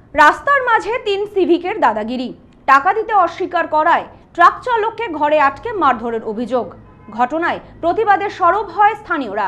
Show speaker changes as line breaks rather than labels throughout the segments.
রাস্তার মাঝে 3 সিভিকের দাদাগিরি, টাকা দিতে অস্বীকার করায় ট্রাক চালককে ঘরে আটকে মারধরের অভিযোগ। ঘটনায় প্রতিবাদে সরব হয় স্থানীয়রা।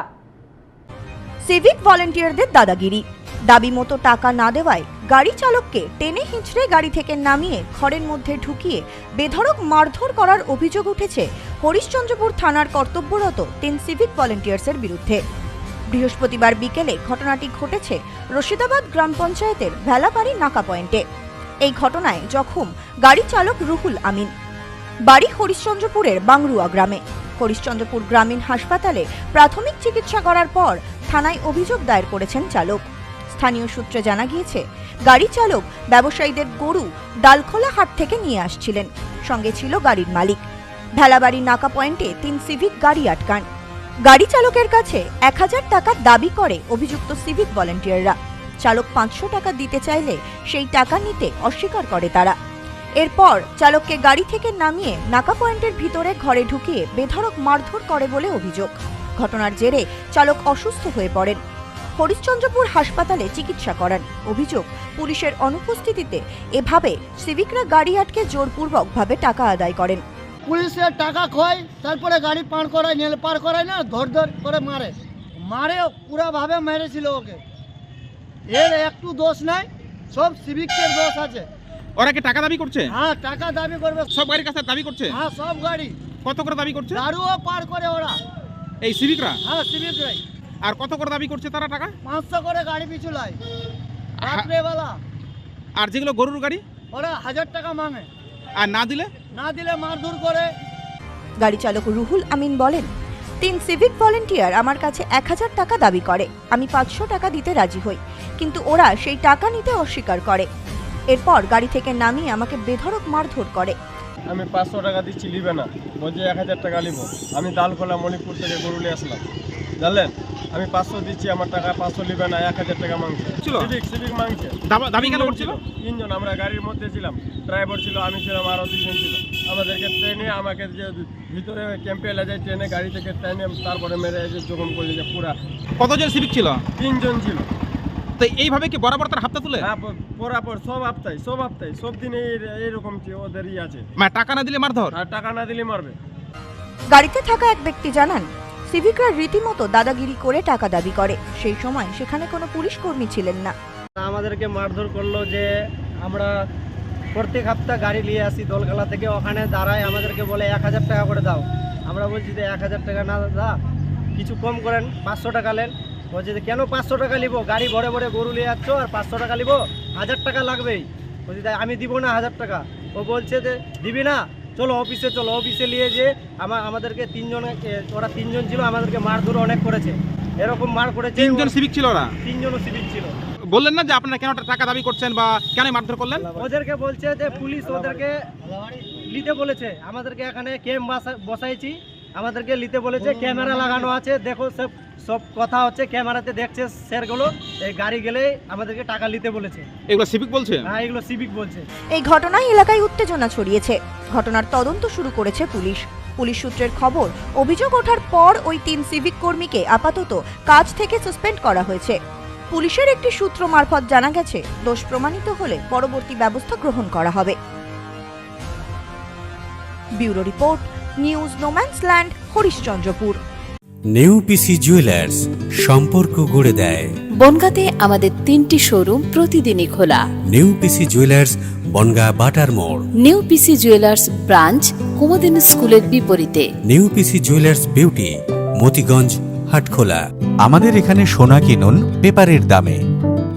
সিভিক ভলেন্টিয়ারদের দাদাগিরি, দাবি মতো টাকা না দেওয়ায় গাড়ি চালককে টেনে হিঁচড়ে গাড়ি থেকে নামিয়ে ঘরের মধ্যে ঢুকিয়ে বেধড়ক মারধর করার অভিযোগ উঠেছে হরিশ্চন্দ্রপুর থানার কর্তব্যরত 3 সিভিক ভলেন্টিয়ার্সের বিরুদ্ধে। বৃহস্পতিবার বিকেলে ঘটনাটি ঘটেছে রশিদাবাদ গ্রাম পঞ্চায়েতের ভেলাবাড়ি নাকা পয়েন্টে। এই ঘটনায় জখম গাড়ি চালক রুহুল আমিন, বাড়ি হরিশ্চন্দ্রপুরের বাংরুয়া গ্রামে। হরিশ্চন্দ্রপুর গ্রামীণ হাসপাতালে প্রাথমিক চিকিৎসা করার পর থানায় অভিযোগ দায়ের করেছেন চালক। স্থানীয় সূত্রে জানা গিয়েছে, গাড়ি চালক ব্যবসায়ীদের গরু ডালখোলা হাট থেকে নিয়ে আসছিলেন, সঙ্গে ছিল গাড়ির মালিক। ভেলাবাড়ি নাকা পয়েন্টে 3 সিভিক গাড়ি আটকান। গাড়ি চালকের কাছে 1000 টাকা দাবি করে অভিযুক্ত সিভিক ভলেন্টিয়াররা। চালক 500 টাকা দিতে চাইলে সেই টাকা নিতে অস্বীকার করে তারা। এরপর চালককে গাড়ি থেকে নামিয়ে নাকা পয়েন্টের ভিতরে ঘরে ঢুকিয়ে বেধড়ক মারধর করে বলে অভিযোগ। ঘটনার জেরে চালক অসুস্থ হয়ে পড়েন, হরিশ্চন্দ্রপুর হাসপাতালে চিকিৎসা করান। অভিযোগ, পুলিশের অনুপস্থিতিতে এভাবে সিভিকরা গাড়ি আটকে জোরপূর্বকভাবে টাকা আদায় করেন।
পুলিশের টাকা খয়, তারপরে গাড়ি পার করায়, পার করায় না, ধর করে মারে পুরাভাবে মেরেছিল ওকে। এর একটু দোষ নাই, সব সিভিকের দোষ আছে।
ওরা কি টাকা দাবি করছে?
হ্যাঁ, টাকা দাবি করবে।
সব গাড়ির কাছে দাবি করছে?
হ্যাঁ, সব গাড়ি।
কত করে দাবি করছে?
দারুও পার করে ওরা,
এই সিভিকরা?
হ্যাঁ, সিভিকরাই।
আর কত করে দাবি করছে তারা টাকা?
500 করে গাড়ি পিছু লাই রাত্রেবেলা।
আর যেগুলো গরুর গাড়ি,
ওরা 1000 টাকা মাঙে,
আর না দিলে
মারধর করে।
গাড়ি চালক রুহুল আমিন বলেন, 3 সিভিক ভলেন্টিয়ার আমার কাছে 1000 টাকা দাবি করে। আমি 500 টাকা দিতে রাজি হই, কিন্তু ওরা সেই টাকা নিতে অস্বীকার করে। এরপর গাড়ি থেকে নামিয়ে আমাকে বেধড়ক মারধর করে।
আমি 500 টাকা দিচ্ছি, নিবে না, বলছে 1000 টাকা নিব। আমি দালখোলা মণিপুর থেকে গরু নিয়ে আসলাম, জানলেন। আমি 500 দিচ্ছি, আমার টাকা 500 নিবে না, 1000 টাকা মাংছে। সিভিক মাংছে।
দাবি কেন করছিল?
3 জন আমরা গাড়ির মধ্যে ছিলাম, ড্রাইভার ছিল, আমি ছিলাম, আরও 2 জন ছিল। আমাদেরকে ট্রেনে, আমাকে যে ভিতরে ক্যাম্পে এলে যায়, ট্রেনে গাড়ি থেকে ট্রেনে তারপরে মেরে এসে জখম করলে যে পুরা।
কতজন সিভিক ছিল?
3 জন ছিল।
তো এইভাবে কি বরাবর তার হাতটা তুলে?
হ্যাঁ, বরাবর সব হপ্তায় সব দিনে এইরকম ওদেরই আছে।
মানে টাকা না দিলে মারধর?
আর টাকা না দিলে মারবে।
গাড়িতে থাকা এক ব্যক্তি জানান, সিভিকরা রীতিমতো দাদাগিরি করে টাকা দাবি করে। সেই সময় সেখানে কোনো পুলিশ কর্মী ছিলেন না।
আমাদেরকে মারধর করলো যে আমরা প্রত্যেক সপ্তাহ গাড়ি নিয়ে আসি দোলখালা থেকে, ওখানে দাঁড়ায় আমাদেরকে বলে 1000 টাকা করে দাও। আমরা বলছি যে 1000 টাকা না দা, কিছু কম করেন, 500 টাকা নেন। বলছে যে কেন 500 টাকা নিবো, গাড়ি ভরে ভরে গরু নিয়ে যাচ্ছ আর 500 টাকা নিবো, 1000 টাকা লাগবেই। বলছি তাই আমি দিব না 1000 টাকা। ও বলছে যে দিবি না, চলো অফিসে চলো। অফিসে নিয়ে যে আমাদেরকে 3 জন, ওরা 3 জন ছিল, আমাদেরকে মারধর অনেক করেছে। এরকম মার করেছে।
3 জন সিভিক ছিল? ওরা
3 জনও সিভিক ছিল।
বললেন না যে আপনারা কেন টাকা দাবি করছেন বা কেন মারধর করলেন?
ওদেরকে বলছে যে পুলিশ ওদেরকে নিতে বলেছে, আমাদেরকে এখানে ক্যাম্প বসাইছি, আমাদেরকে নিতে বলেছে, ক্যামেরা লাগানো আছে, দেখো সব কথা হচ্ছে, ক্যামেরাতে দেখছে স্যারগুলো। এই গাড়ি গেলে আমাদেরকে টাকা নিতে বলেছে।
এগুলো সিভিক বলছে?
হ্যাঁ, এগুলো সিভিক বলছে।
এই ঘটনায় এলাকায় উত্তেজনা ছড়িয়েছে। ঘটনার তদন্ত শুরু করেছে পুলিশ। পুলিশ সূত্রের খবর, অভিযোগ ওঠার পর ওই 3 সিভিক কর্মীকে আপাতত কাজ থেকে সাসপেন্ড করা হয়েছে। পুলিশের একটি সূত্র মারফত জানা গেছে, দোষ প্রমাণিত হলে পরবর্তী ব্যবস্থা গ্রহণ করা হবে। Bureau report, news no man's land, Harishchandrapur.
Neupisi jewellers, সম্পর্ক গড়ে দেয়।
বনগাঁতে আমাদের 3টি শোরুম প্রতিদিনই খোলা।
নেউপিসি জুয়েলার্স, বনগাঁ বাটার মোড়।
নেউপিসি জুয়েলার্স ব্রাঞ্চ, কুমুদিন স্কুলের বিপরীতে।
Neupisi jewellers beauty, Motiganj, Hatkhola.
আমাদের এখানে সোনা কিনুন পেপারের দামে।